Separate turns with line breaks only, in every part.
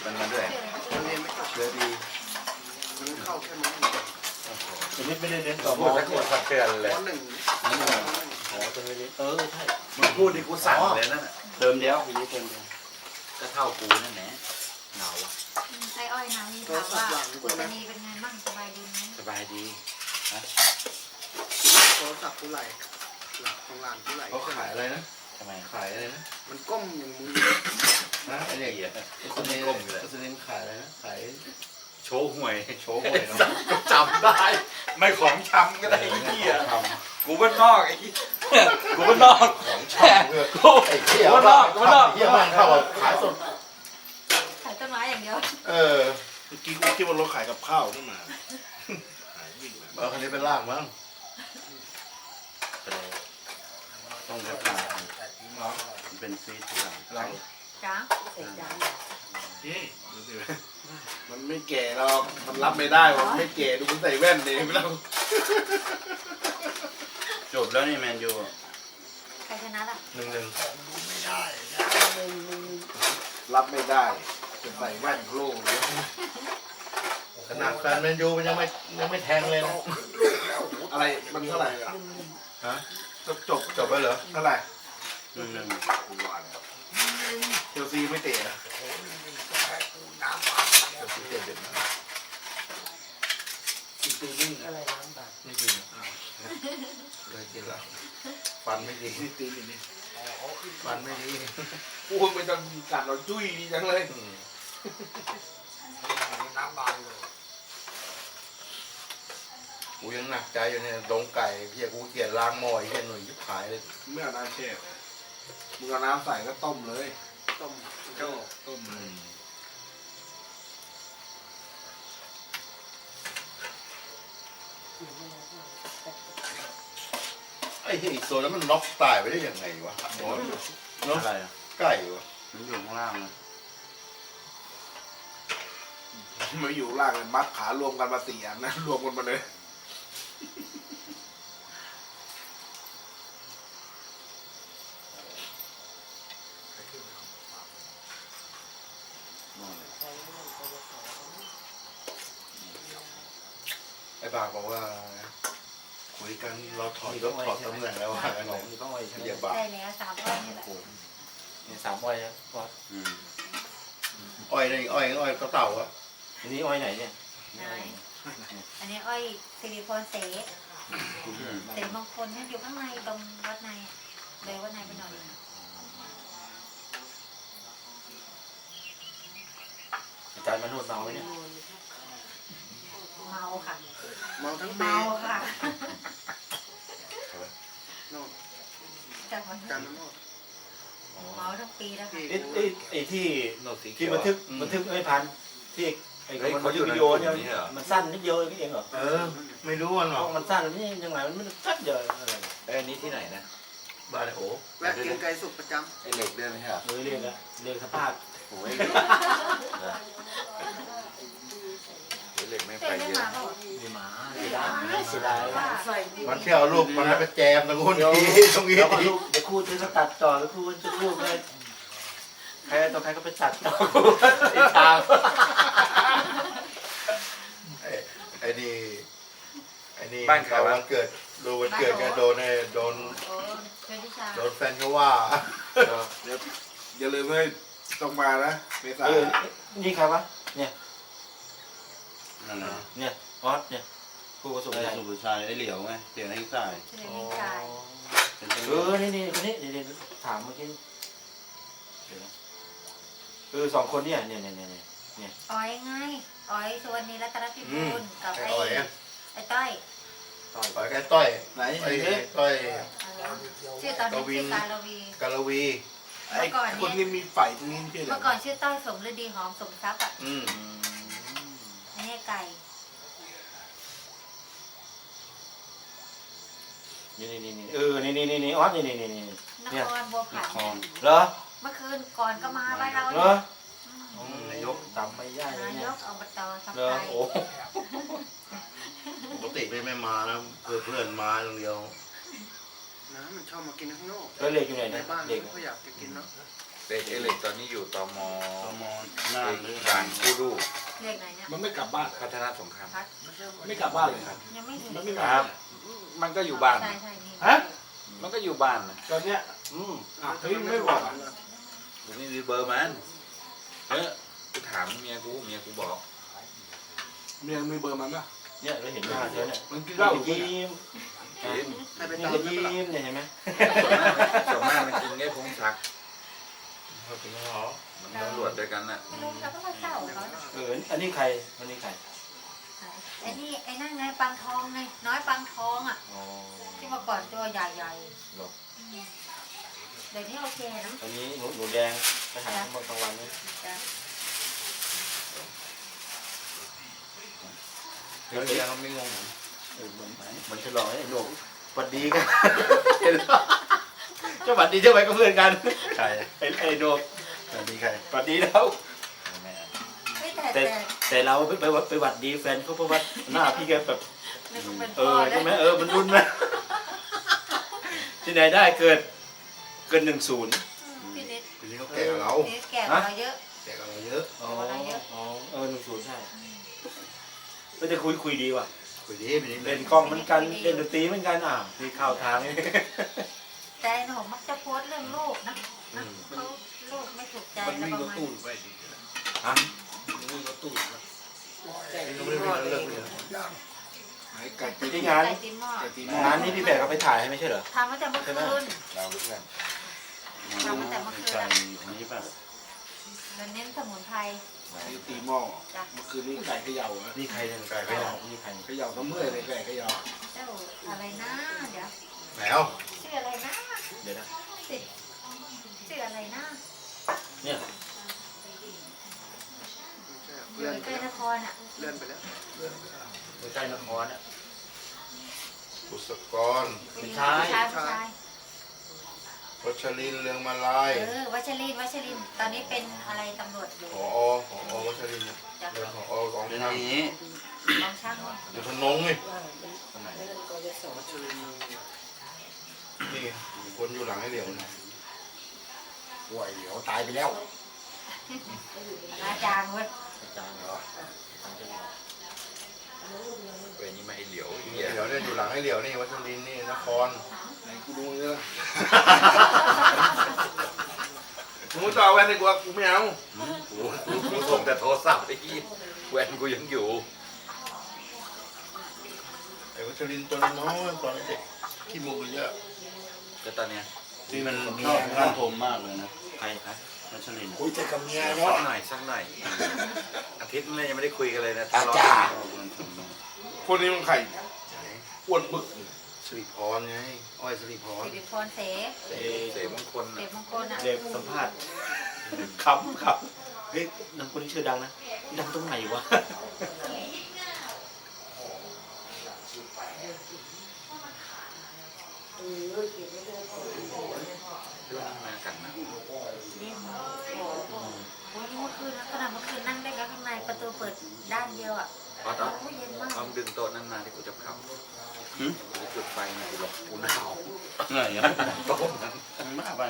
มันมาด้วย
มันเรียนไม่จบ
เชื้อดี
มันเข้าแค่ม.
ชีวิตไม่ได้เน้นต่อ
พูดสักคนสักเตือนเลย
ม.1
อ๋อจะไม่ได้ใช่
มึงพูดที่กูสั่งเลยนั่น
เติมเดียวปีนี้เติมเดียว
ก็เท่ากูนั่นแหละเหงาอ่ะ
ไอ้อ้อยนะมีถามว่าอุตนีเป็นไงบ้างสบายดีไหม
สบายดี
โทรศัพท์กูไหลหลักของหลานกูไหล
เขาขายอะไรนะ
ทำไม
ขายอะไรนะ
มันก้มอย่างมึง
นะไอ้เนี่ยสนิมสนิมขายอะไรนะขาย
โชว์หวย
โชว์หวยเนาะ
จำได้ ไม่ของชำก็ได้ไอ้เหี้ยกูบ้านนอกไอ้เหี้ยกูบ้านนอก
ของชอบเพื่อไอ้เหี้ยบ้านเหี้ยบ้านเข้าขายสด
ขายต้นไม้อย่างเดียว
เออ
เมื่อกี้กูคิดว่ารถขายกับข้าวนี่มาขายวิ่งแบบ
เอาคันนี้เป็นล่างมั้ง
ต้องกระถางมันเป็นซีดที่หลัง
ล่าง
จ้า
ดูสิมันไม่แก่หรอกมันรับไม่ได้มันไม่แก่ดูมันใส่แว่นเลยไม่ต้อง
จบแล้วนี่แมนยู
ใครชนะล่ะ
1-1
รับไม่ได้จะใส่แว่นโคร่งเลย
ขนาดแฟนแมนยูมันยังไม่แทงเลยนะ
อะไรมันเท่าไหร่อะ
ฮะ
จบ
ไปเหรอ
เท่าไหร่
หนึ่ง
เชลซีไม่เตะนะ
เจ็ดเด็ดนะ
กินตีนิ่ง
อะไรน้ำตาล
ไม่กินเลยกินแล้วฟันไม่ดี
นี่ตีนิ่งนี่
ฟันไม่ดี
โอ้ยมันจะกัดเราจุ้ยดีจังเลย
กูยังหนักใจอยู่เนี่ยดงไก่เพียกูเกลียดล้างหม้อเฮียหนุ่ยยิบหายเลย
ไม่เอาน้ำแช่มึงเอาน้ำใส่ก็ต้มเลย
ต้มโจ้
ต้มเลย
ไอ้เหี้ยอีกตัวนั้นมันน็อกตายไปได้ยังไงวะ
ๆ
เนาะ
อะไรอ่ะ
ไก่วะ
มันอยู่ข้างล่างนะ
มาอยู่ล่างเลยมัดขารวมกันมา4 อันนะรวมกันมาเลย
ไอ้บากบอกว่าคุยกันเราถอดตำแหน่งแล้วว่าไง
ต้องไว้ใช่ไหม
เหยียบบาก
ได้แล้วสามอ้อยนี่แหละ
เนี่ย3 อ้อยนะวัด
อ้อยนี่อ้อยก็เต่าอะ
อันนี้อ้อยไหนเนี่ย
นายอันนี้อ้อยสิริพรเสเสมงคลนั่นอยู่ข้างในตรงวัดในเลยวัดในไปหน่อย
อาจารย์มาโนดเมาไหมเนี่ย
เมาค่ะ
เมาทั้งปี
เมาค่ะ
โน่น
จากวัน
การมันโน่น
เมาทั้งปีแล้วค่ะ
ไอ้ที่
โนดสี
ที่บันทึกไม่พันที่ไอ้เขาอยู่วิดีโอเนี่ยมันสั้นนิดเดียวเองเหรอ
เออ ไม่รู้มันหรอก
มันสั้นนี่ยังไงมันไม่สั้นเดียวอะไร
อันนี้ที่ไหนนะ
บ้านไอ้โอ้
แวะกินไก่สุกประจ
ไอเหล็กด้วยไหมครับ
เรียกอะเรียกสภาพ
โอ้ยเหล็กไม่
เต้
ไป
นได้
เยอะ
มาเปล่า
มีหมาเสียดาย
มันเที่ยวลูกมันไปแจมตรงนู้นทีตรงนี้
แล้วก็ลูกเดี๋ยวครูจะตัดต่อแล้วครูจะลูกเลยใครต่อใครก็ไปตัดต่อไอ้ทาง
ไอ้นี่
บ้านใครวะ
วันเกิดดูวันเกิดกันโดน
โอ้เชิญทิชา
โดนแฟนเขาว่า
เดี๋ยวอย่าลืมให้ต้องมานะเมษานี่ใครวะเนี่ย
นั่นนะ
เนี่ยออสเนี่ยครูกระสุน
ไอ้
ใหญ่
สุภาชัยไอ้เหลียวไงเสียงไอ้สาย
เชิญนิกาย
เป็น
นี่คนนี้เดี๋ยวถามเมื่อกี้2 คนเนี่ย
อ้อยไงอ้อยสุวรรณีรัตนพิบูลกับ
ไอ้
ไอ้
อ่อยอะ
ไอ้ต้อย
ต่อยไอ้ต้อย
ไหน
ไอ้ต้อย
ชื่อตอนนี้ชื่อการลวี
กาลวี
ไอ้คนนี้มีไฟตรงนี้พี่เหร
เมื่อก่อนชื่อต้อยสมฤดีหอมสมทรัพย์อ่ะ
อืม
อันนี้ไก่
นี่ออสนี่
นครบัวผัน
คอน
เหรอ
เมื่อคืนก่อนก็มาบ้านเรา
เหรอ
อืม
นายกจำไม่ได้เลย
นาย
เนี่ย
กอบตทับ
เหรอ
ไทย
โอ้
ปกติไม่มานะเพื่อนมาอย่างเดียว
ำนะมันชอบมากินข้างนอก
แล้วเล็กอยู่ไหน
ใน
นะ
บ้าน
เด็ก
ไม่ค่อยอยากจะกินเนาะ
เด็กไอ้เหล็กตอนนี้อยู่ตม
ตม
หน้าหรือ
การกู้ดู
เลขไหนเนี่ย
มันไม่กลับบ้าน
พัฒนาสงคราม
พัด
ไม่กลับบ้านเลยครับ
ยังไม่ถึง
มันไม่มา
ครับ มันก็อยู่บ้าน
ใช่ใช่นี่
ฮะ
มันก็อยู่บ้านนะ
ตอนเนี้ย
อืม
อ่ะเฮ้ยไม่บอกอ่ะ
กูไม่มีเบอร์มันเออกูถามเมียกูบอก
เมียมีเบอร์มันป่ะ
เนี่ยเราเห็นหน้าเธอเนี่ย
มันกินเหล้าอยู่
ยิ้ม
กิน
ให้ไป
นี่
ตาม
ก็
ได้ปะล่ะ
ยิ้มเนี่ยเห็นไหม
ส่วนมากมันกินไงพงศักดิ์
เขาเป็นหรอ
มันตำรวจด้วยกันน่ะ
ไม่รู้เราก็มาเศร้าเขานะ
อันนี้ใครอันนี้ใคร
ไอ้นี่ไอ้นั่นไงปังทองไงน้อยปังทองอ่ะ
อ๋อ
ที่เมื่อก่อนตัวใหญ่
หรอ
ๆเดี๋ยวนี้โอเคนะ
อันนี้หนูแดงไปหาเมื่อกลางวันนี่
จ้ะ
เดี๋ยวเขาไม่งง
เหมือนฉลองไอ้หนูสวัสดีกันเห็นปะเจ้าสวัสดีเจ้าไปก็เพื่อนกัน
ใคร
ไอ้หนู
สวัสดีใคร
สวัสดีแล้ว
ไม่แต่
แต่
แต่
แต่เราไปหวัดดีแฟนเขาเพราะว่าหน้าพี่แกแบบ
ไม่ต้องเป็น
เอ
พ่อ
อ
แล้
ใช่
ว
ไหมมันรุนไหมที่ไหนได้เกิน10
พี่นิด
คนนี้เขาแก่กว่าเรา
พี่นิดแก่กว่าเราเยอะ
แก่กว่าเราเยอะ
อ๋อ10ใช่ก็จะคุยดีว่ะ
คุยดีไปนิดนึ
เล่
ง
นกล้องเหมือนกันเล่นดนตรีเหมือนกันที่เข้าทางนี่
แต่ไอ้หนูมักจะโพสต์เรื่องลูกนะเขาลูกไม่ถูกใจ
มัน
แล้ว
วิ่ง
ประ
รถ
มาณ
ตู้ไปดิ
ฮะ
วิ่งรถตู้นะ
เขาไม่ได้เป็นเรื่องเลย
หายไก่ตี
ที่งาน
ไก่ตีนหม้อ
ไก่ตี
งานนี้พี่แบกเขาไปถ่ายให้ไม่ใช่เหรอ
ทำมาแต่เมื่อคืน
เราเพื่อน
ทำมาแต่เมื่อคืน
ใช่
อะ
อันนี้ป่ะ
เราเน้นสมุนไพร
ตีหม้อเมื่อคืนนี้ไก่เขย่าอ่ะ
นี่ใครเนี่ยไก่ไปไหนนี่ใคร
เขย่าทั้งเมื่อยเลยไก่เขย่า
เจ้าอะไรนะเดี๋ยว
แมว
ชื่ออะไรนะ
เดี๋ยวนะ
สิชื่ออะไรนะ
เนี่ย
อ
เลื่
ยู่
อนไป
ใกล้
แล้ว
นครอ่ะ
เลื่อนไปแล้ว
ใกล้นครอ่ะ
บุษกร
ผู้ชายผู้ชาย
วัชรินทร์เรืองมาลาย
วัชรินทร์ตอนนี้เป็นอะไรตำรวจอยู่
ผอวัชรินทร์
จาก
เรืองผอกอง
เดี๋ยว
ช่าง
นี้
กองช่างว่า
อยู่พนงนี่
ตรงไหน
วัชรินทร์
นี่คนอยู่หลังไอ้เหลียวนี่
ป่วยเดี๋ยวตายไปแล้ว
อาจารย์เว้ย
อาจารย์เหรอ
เว้ยนี่ไม่ให้เหลียวไอ้
ไอ้
เหี้ย
เหลียวเนี่ยอยู่หลังไอ้เหลียวนี่วัชรินทร์นี่นคร
ไหนกูดูเนื้อมึงต่อแวนดีกว่ากูไม่เอา
กูส่งแต่โทรศัพท์ไอ้เหี้ยแหวนกูยังอยู่
ไอ้วัชรินทร์ตัวน้อยตอนเด็กขี้มูกเยอะ
แต่ตอนเนี้ย
ที่มันชอบงานผมมากเลยนะใครครับนัชลิน
คุยแต่กับเมีย
สั
เนาะ
กหน่อยอาทิตย์นึงยังไม่ได้คุยกันเลยนะ
อาจารย์
ทะเลาะกัน
คนนี้มันใครอ้วนบึก
สิริพรไงอ้อยสิริพร
สิริพรเส
เสมงคล
เส
น่ะ
มงคลอ่ะ
เด็กสัมภาษณ์ขำเฮ้ยนางคนนี้ชื่อดังนะดังตรงไหนวะ
เรื่องนี้มากันนะ
โอ้ยเมื่อคืนนะขนาดเมื่อคืนนั่งได้กันข้างในประตูเปิดด้านเดียวอ่ะ
พอตอน
โอ้ยเย็นมาก
เอาดึงโต๊ะนั้นมาที่กูจะพับกูจะจุดไฟนะกูหลบกูหนาว
ไหนอ่ะ
โต๊ะนั้น
มากไป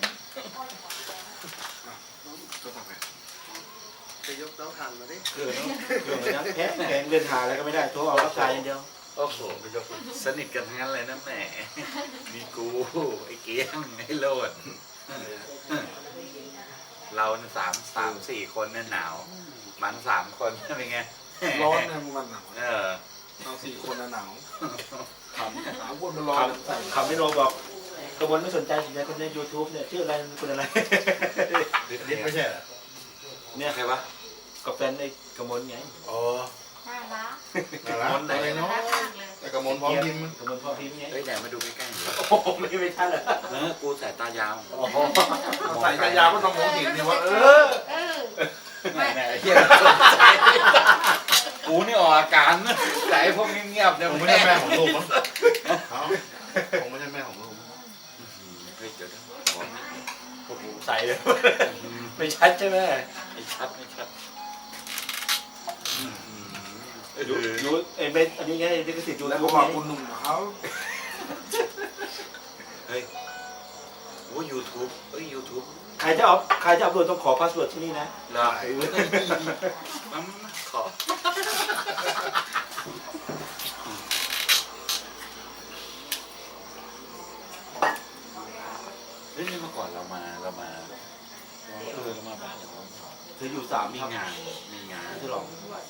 ตัวต่อไป
จะยกเต้าถ่านมาดิ
เครื่องเลยนะแพงเดินหาอะไรก็ไม่ได้โทรเอารับสายอย่างเดียว
โอ้โหสนิทกันทั้งนั้นเลยนะแหมมีกูไอ้เกียงไอ้โลดเราเนี่ยสามสี่คนเนี่ยหนาว มัน3 คนเป็นไง
ร้อนนะมันหนาว
เออ
เรา4 คนหนาว
ขำ
หนาวคนมันร้อน
คำไม่โนบอกกระบวนไม่สนใจสนใจคนใน YouTube เนี่ยชื่ออะไรคุณอะไร
นิดไม่ใช่เหรอ
เนี่ย
ใครวะ
กับแฟนไอ้กระมวลไง
อ๋อ
น่ารัก
น่ารักอะไร
น่า
เนาะ
รักมากเลย
แต่กระมวลพร้อมพิมพ์
กระมวลพ่อพิมพ์ไง
เฮ้ยไหนมาดูใกล้ๆหน่อย
โอ้โหไม่ใช่เหรอ
กูสายตายาว
โอ้โห
ใส่กระยาก็ต้องมองเห็นดิว่า
เออ
แหมเฮียสนใจกูนี่ออกอาการนะแต่ไอ้พวกเงียบๆเนี่ย
ผมไม่ใช่แม่ของลูกมั้งเขาผมไม่ใช่แม่ของลูก
เฮ้ยเดี๋ยวขอนิดนึง
โอ้โหใส่เลยไม่ชัดใช่ไหม
ไม่ชัดไม่ชัด
ยูไอ้เบนอันนี้ไงลิขสิทธิ์ยู
แล้ว
ทู
ก็
บ
บอก
ไง
คุณหนุ่มเขา
เฮ้ยโอ้ยูทูบเอ้ยยูทูบ
ใครจะเอาตัวต้องขอพาสเวิร์ดที่นี่นะ
เหรอมันขอเฮ้ยนี่เมื่อก่อนเรามาเรามาบ้านเหรอ
เธออยู่3
มีงาน
เธอหรอ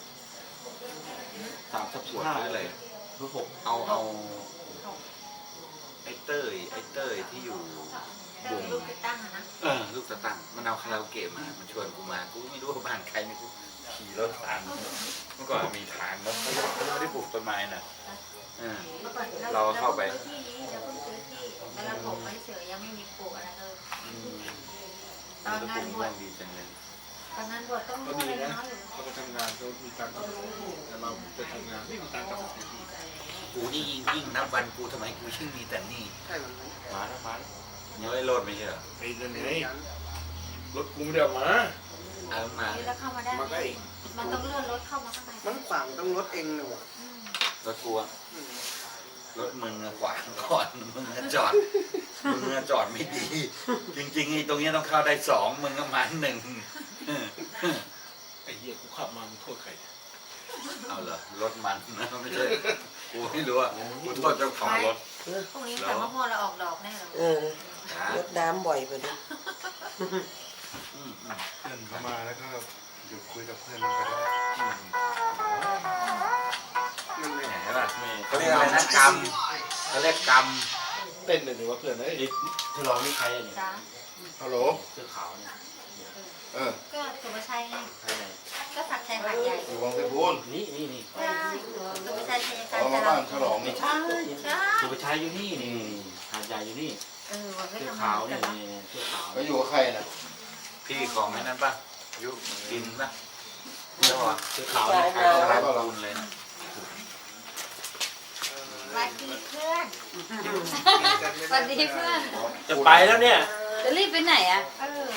3 ทับ
ปวด
5
หรืออะไร
เพื่อ6
เอาไอ้เต้ยที่อยู่
เติมลูกติดตั้งอะนะ
ลูกตะตั้งมันเอาคาราโอเกะมามันชวนกูมากูไม่รู้ว่าบ้านใครนี่กูขี่รถตามเมื่อก่อนมีทางแล้วเขาไม่ได้ปลูกต้นไม้น่ะเออ
เมื่อก่อน
เราเข้าไป
ซื้อที่นี้เราเพิ่งซื้อที่แล้วเราปลูกไว้เฉยยังไม่มีปลูกอะไรเลยตอนงานบวช
ดีจังเลย
ตอนงานบวชต้อง
ก็
รู้
ดี
เลย
นะ
น้อยอยู่
เขาไปทำงานเขามีตังค์แต่เราไปทำงานไม่มีตังค์กลับมา
กูนี่ยิ่งนับวันกูทำไมกูยิ่งมีแต่หนี่
ใช่มันไหม
มาแล้วมาแล้ว
ยังไม่โลดไม่ใช่เหรอ
ไอ้นั่นไงรถกูไม่ได้เอามา
เอามา
นี่แล้วเข้ามาได้
มาก็เอง
มันต้องเลื่อนรถเข้ามาข้างใน
มันขวางต้องรถเองเลยว่ะ
อืม
รถกูอะรถมึงอะขวางก่อนมึงอะจอดไม่ดี จริงๆไอ้ตรงเนี้ยต้องเข้าได้2มึงก็มา1
ไอ้เหี้ยกูขับมามึงโทษใคร
เอาเหรอรถมันนะไม่ใช่กูไม่รู้อ่ะกูโทษเจ้าของรถ
พรุ่งนี้แต่มะม่วงเราออกดอกแน่เลย
นะ
รดน้ำบ่อยไปดิ
เพื่อนเข้ามาแล้วก็หยุดคุยกับเพื่อนมันก็ได้
มันไม่
แหมล่ะเขาเรียกอะไรนะกรรมเขาเรียกกรรม
เต้นเลยดีว่าเพื่อนเอ้ย
เธอรอนี่ใครอ่ะเนี่ย
จ้า
ฮัลโหล
เสื้อขาวเนี่ย
เออ
ก็สุภาชัยไง
ใครไหน
ก็สักชัยหาดใหญ่
อยู่วังไพบูลย์
นี่
ใช่สุภาชัยชัย
อ๋
การ
อมา
จะ
บ้าน
รำ
ฉลอง
ไม่
เนี่ย
ใช่
ใช่
สุภาชัยอยู่นี่นี่หาดใหญ่อยู่นี่
วันไม่
เสื้อ
ทำ
ขาง
า
วน
กั
เนี่ย
นเนาะ
เสื้อขาว
ก็อยู่กับใครน่ะ
พี่ของไอ้นั้นป่ะยุกินป่ะเจ้าอ่ะ
เสื้อขาวเนี่ย
ใครก็รับบุญเลยนะ
สวัสดีเพื่อนสวัสดีเพื่อน
จะไปแล้วเนี่ย
จะรีบไปไหนอ่ะ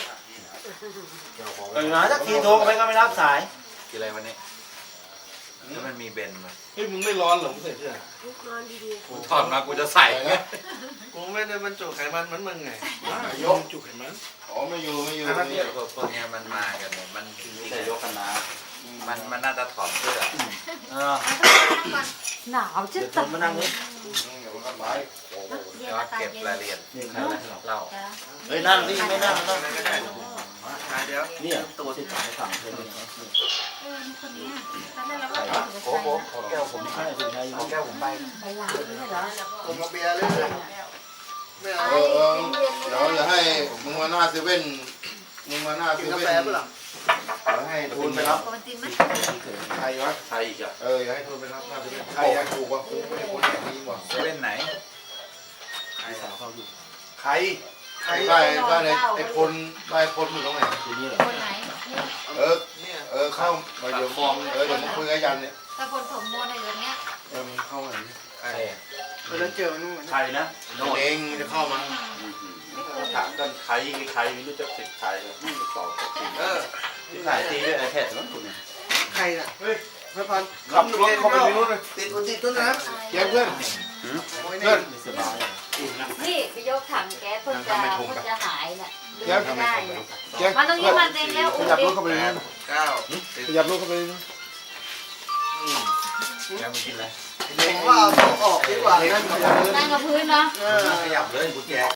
เออ
หาสักทีโทรไปก็ไม่รับสาย
กินอะไรวันนี้แล้วมันมีเบนมา
เฮ้ยมึงไม่ร้อนเหรอมึงใส่เสื้อ
กูถอดมากูจะใส่ไง
กูไม่ได้บรรจุไขมันเหมือนมึงไง
ยกจุกเห็นไหมอ๋อไม่อยู่
เนี่ยพวกเนี้ยมันมากันเนี่ยมันจริง
แต่ยกกันนะ
ๆมันน่าจะถอดเสื้อ
เออ
ก่อน
หนาวจะ
เดี๋ยว
ตา
มานั่งนี่
เดี๋ยวมันก็ไป
เย็น
แล้ว
ตา
เก็บ
เย็น
รายละเอียด
นี่ใครอะไรหรอ
เล่า
จ้า
เฮ้ยนั่งดิไม่นั่งนั่ง
เดี๋ยว
เนี่ยตัวที่ถ่ายสั่งเธอเนี่ย
นี่คนนี้ตอนแรกเราก็
โอ้โหขอแก้วผม
ใช่สุภาชัยอยู่
ขอแก้วผมไป
ไปหลังนี่เหรอ
ผมมาเบียร์เลยไม่เอา
เดี๋ยวอย่าให้มึงมาหน้าเซเว่นมึงมาหน้าเซ
กินกา
เว่น
แฟเปล่า
เดี๋ยวให้ทุนไปรับ
โกนตินไหม
ใครวะ
ใครอีกอ่ะ
อย่าให้ทุนไปรับหน้าเซเว่นใครอยากถูกวะกูไม่ได้คนแบบนี้ว่ะ
เซเว่นไหน
พี่สาวเขาอยู่
ใครได้ไอ้พลได้พลอยู่ตรงไหน
ที่นี่เหรอ
คนไหน
เข้ามาเดี๋ยวฟองเดี๋ยวมาคุยกับยันเนี่ย
ถ้าคนถมโมในอย่างเงี้ย
มึงเข้ามาไหน
ใครอ่ะ
เมื่อนั้นเจอมันนู่น
ใครนะโน่น
เองจะเข้ามา
ถามกันใครไม่รู้จะติดใครแล้วไม่ตอบก็ติด
ที่
หลายตีด้วยไอแพดมั้งคุณเนี่ย
ใครน่ะเฮ้ยพระพัน
ขับรถเข้าไปในนู้นเลย
ติดอุติดด้วยนะ
เพื่อน
โอ้ย
เพื่อน
ไม่สบาย
นี่ไปยกถังแก๊สเพิ่งจะหายน่ะ
แก๊ส
ไม่ได้น่ะ
แก๊ส
มาตรงนี้มาเต็มแล้ว
ข
อุ้
ยับร
ดิ
ถเข้าไปในนู้น
9
ขยับรถเข้าไปในนู้น
ยังไม่กินเลย
ผมว่าเอาออกดีกว่านั่นขยับเลย
นั่งกับพื้นเนาะ
เออ
ขยับเลยกูแก